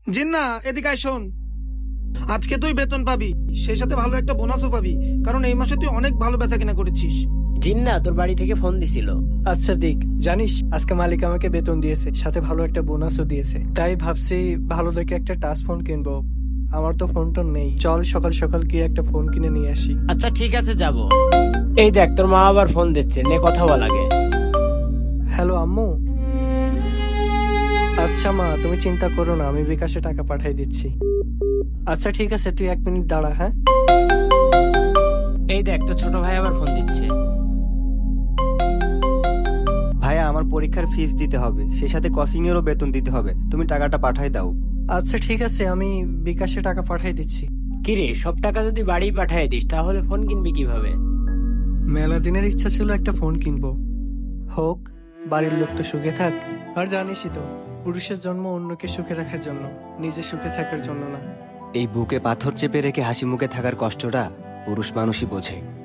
জিন্না, এদিকে আয়, শোন। আজকে তুই বেতন পাবি, সেই সাথে ভালো একটা বোনাসও পাবি, কারণ এই মাসে তুই অনেক ভালো বেচা কেনা করেছিস। জিন্না তোর বাড়ি থেকে ফোন দিছিল। আচ্ছা দিক, জানিস আজকে মালিক আমাকে বেতন দিয়েছে, সাথে ভালো একটা বোনাসও দিয়েছে। তাই ভাবছি ভালো দেখে একটা টাচ ফোন কিনবো। আমার তো ফোন টোন নেই, চল সকাল সকাল গিয়ে একটা ফোন কিনে নিয়ে আসি। আচ্ছা ঠিক আছে, যাব। এই দেখ তোর মা আবার ফোন দিচ্ছে, নে কথা বল আগে। হ্যালো আম্মু। আচ্ছা মা, তুমি চিন্তা করো না, আমি বিকাশে টাকা পাঠিয়ে দিচ্ছি। আচ্ছা ঠিক আছে, তুই 1 মিনিট দাঁড়া। হ্যাঁ এই দেখ তোর ছোট ভাই আবার ফোন দিচ্ছে। ভাইয়া, আমার পরীক্ষার ফিস দিতে হবে, সেই সাথে কোচিং এরও বেতন দিতে হবে, তুমি টাকাটা পাঠাই দাও। আচ্ছা ঠিক আছে, আমি বিকাশে টাকা পাঠিয়ে দিচ্ছি। কিরে, সব টাকা যদি বাড়ি পাঠিয়ে দিস তাহলে ফোন কিনবি কিভাবে? মেলা দিনের ইচ্ছা ছিল একটা ফোন কিনবো, হোক বাড়ির লোক তো সুখে থাক। আর জানিসই তো, পুরুষের জন্ম অন্যকে সুখে রাখার জন্য, নিজে সুখে থাকার জন্য না। এই বুকে পাথর চেপে রেখে হাসি মুখে থাকার কষ্টটা পুরুষ মানুষই বোঝে।